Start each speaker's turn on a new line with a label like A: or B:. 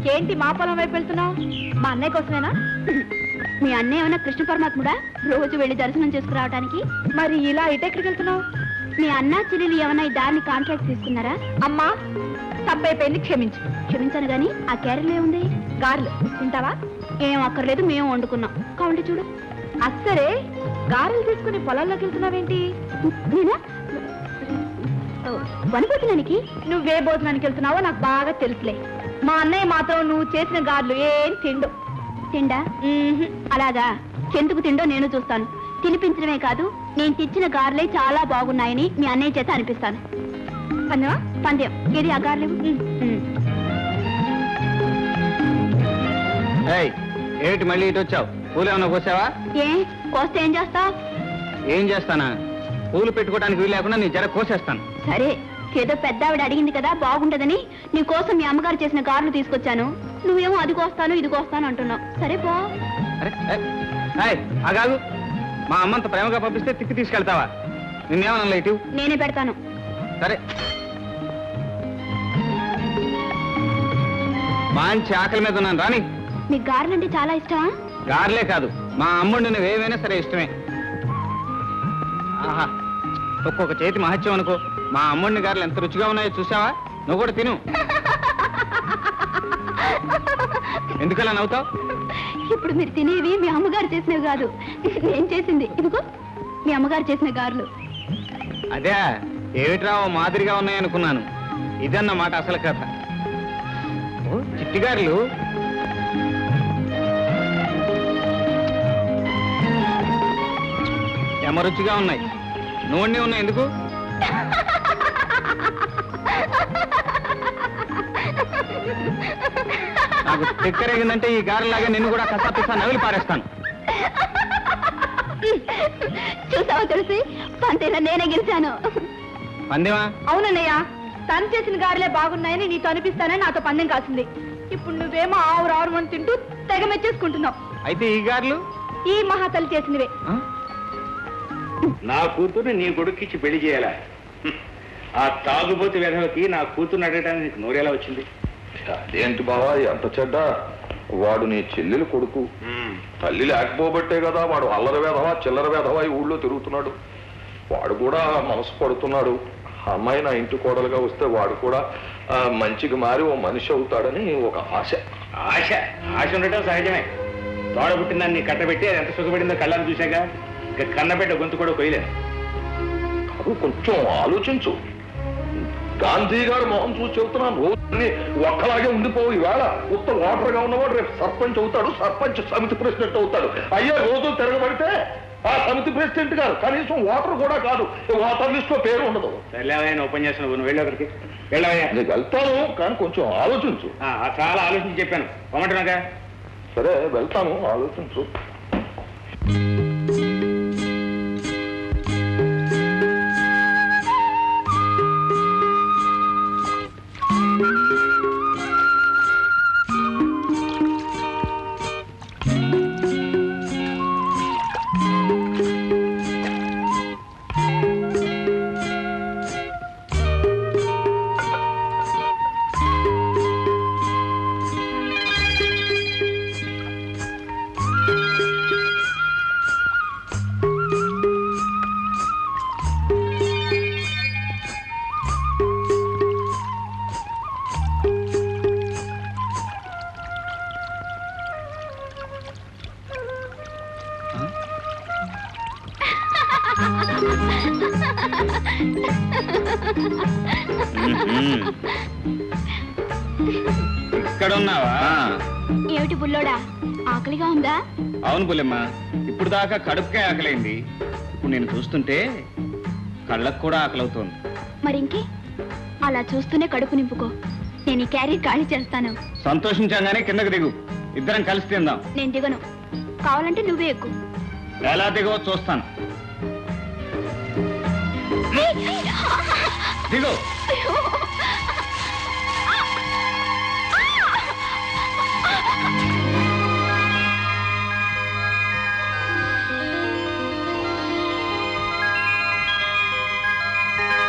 A: ఏంటి మా పొలం వైపు వెళ్తున్నావు? మా అన్నయ్య కోసమేనా?
B: మీ అన్నయ్య ఏమైనా కృష్ణ పరమాత్ముడా రోజు వెళ్ళి దర్శనం చేసుకురావడానికి?
A: మరి ఇలా ఇటెక్కడికి వెళ్తున్నావు?
B: మీ అన్న చెల్లెలు ఏమైనా ఈ దారిని కాంట్రాక్ట్ తీసుకున్నారా?
A: అమ్మా తప్పైపోయింది, క్షమించు.
B: క్షమించాను గాని ఆ క్యారెల్ ఏముంది?
A: గారెలు తింటావా?
B: ఏం అక్కర్లేదు, మేము వండుకున్నాం. కావండి చూడు.
A: అస్సరే గారెలు తీసుకుని పొలాల్లోకి వెళ్తున్నావేంటి?
B: నేనా వనభోజనానికి?
A: నువ్వే భోజనానికి వెళ్తున్నావో నాకు బాగా తెలుసులే. మా అన్నయ్య మాత్రం నువ్వు చేసిన గారెలు ఏం తిండు.
B: తిండా? అలాగా, ఎందుకు తిండో నేను చూస్తాను. తినిపించడమే కాదు, నేను తెచ్చిన గారెలే చాలా బాగున్నాయని మీ అన్నయ్య చేత అనిపిస్తాను.
A: పందెమా?
B: పందెం. ఏది ఆ గారెలు?
C: ఏమిటి మళ్ళీ ఇటు వచ్చావు? పూలు ఏమన్నా కోసావా?
B: ఏ కోస్తే ఏం చేస్తావు?
C: ఏం చేస్తానా? పూలు పెట్టుకోవడానికి వీలు లేకుండా నీ జర కోసేస్తాను.
B: సరే, ఏదో పెద్ద ఆవిడ అడిగింది కదా బాగుంటదని నీ కోసం మీ అమ్మగారు చేసిన గారెలు తీసుకొచ్చాను. నువ్వేమో అది కోస్తాను ఇది కోస్తాను అంటున్నావు. సరే పో.
C: అగాగు, మా అమ్మంత ప్రేమగా పంపిస్తే తిక్కి తీసుకెళ్తావా? నిన్నేమన్నా ఇటు?
B: నేనే పెడతాను.
C: సరే, మంచి ఆకలి మీద ఉన్నాను రాని.
B: మీకు గారెలు అంటే చాలా ఇష్టమా?
C: గారెలే కాదు, మా అమ్ముడు నువ్వు ఏమైనా సరే ఇష్టమే. ఆహా, ఒక్కొక్క చేతి మహత్యం అనుకో. మా అమ్ముడిని గారెలు ఎంత రుచిగా ఉన్నాయో చూసావా? నువ్వు కూడా తిను. ఎందుకలా నవ్వుతావు?
B: ఇప్పుడు మీరు తినేవి మీ అమ్మగారు చేసినవి కాదు, నేను చేసింది. ఇదిగో మీ అమ్మగారు చేసిన గారెలు.
C: అదే ఏమిట్రా మాదిరిగా ఉన్నాయనుకున్నాను. ఇదన్నమాట అసలు కథ. చిట్టి గారెలు రుచిగా ఉన్నాయి. నూనె ఉన్నాయి. ఎందుకు? నాకు తిక్కరేగిందంటే ఈ గారెలాగా నిన్ను కూడా కసాపిస్తా నవిలి పారేస్తాను.
B: చూసావా తెలిసి పంతేలా నేనే గెలిచాను.
C: పందెమా?
A: అవునన్నయ్య, తను చేసిన గారెలే బాగున్నాయని నీతో అనిపిస్తానని నాతో పందెం కాసింది. ఇప్పుడు నువ్వేమో ఆవురు మంది తింటూ తెగ మెచ్చేసుకుంటున్నావు.
C: అయితే ఈ గారెలు
A: ఈ మహాతల్లి చేసినవే.
D: నా కూతుర్ని నీ కొడుక్కిచ్చి పెళ్లి చేయాలా? ఆ తాగుబోతు వెధవకి నా కూతుర్ని అడగడానికి నోరేలా వచ్చింది?
E: అదేంటి బావా, ఎంత చెడ్డ వాడు నీ చెల్లెలు కొడుకు. తల్లి లేకపోబట్టే కదా వాడు అల్లరి వేధవా చిల్లర వేధవా ఈ ఊళ్ళో తిరుగుతున్నాడు. వాడు కూడా మనసు పడుతున్నాడు. అమ్మాయి నా ఇంటి కోడలుగా వస్తే వాడు కూడా మంచిగా మారి ఓ మనిషి అవుతాడని ఒక ఆశ.
D: ఆశ ఆశ ఉండటం సహజమే. తోడ పుట్టిందాన్ని కట్టబెట్టి అది ఎంత సుఖపడిందో కళ్ళని చూశాక ఇక కన్నబెట్ట గొంతు కూడా కొయ్యలేదు.
E: కాదు, కొంచెం ఆలోచించు. గాంధీ గారు మొహం చూసి చెబుతున్నాను, రోజుని ఒక్కలాగే ఉండిపోవు. ఈవేళ ఉత్తర ఓటర్గా ఉన్నవాడు రేపు సర్పంచ్ అవుతాడు, సర్పంచ్ సమితి ప్రెసిడెంట్ అవుతాడు. అయ్యే రోజు తిరగబడితే ఆ సమితి ప్రెసిడెంట్ గారు కనీసం ఓటర్ కూడా కాదు, ఓటర్ లిస్ట్ లో పేరు ఉండదు.
D: వెళ్ళావయ్యా ఉపన్యాసం, నువ్వు వెళ్ళి ఒకరికి వెళ్ళావయ్యా.
E: నీకు వెళ్తాను, కానీ కొంచెం ఆలోచించు.
D: చాలా ఆలోచించి చెప్పాను, పొమ్మంటున్నాగా.
E: సరే వెళ్తాను, ఆలోచించు.
C: ఇక్కడున్నావా?
B: ఏమిటి బుల్లోడా, ఆకలిగా ఉందా?
C: అవును పుల్లమ్మ, ఇప్పుడు దాకా కడుపుకే ఆకలైంది. ఇప్పుడు నేను చూస్తుంటే కళ్ళకు కూడా ఆకలవుతోంది.
B: మరింకే, అలా చూస్తూనే కడుపు నింపుకో. నేను ఈ క్యారీ ఖాళీ చేస్తాను.
C: సంతోషించగానే కిందకు దిగు, ఇద్దరం కలిసి తిందాం.
B: నేను దిగను, కావాలంటే నువ్వే ఎక్కు.
C: ఎలా దిగో చూస్తాను. దిగు.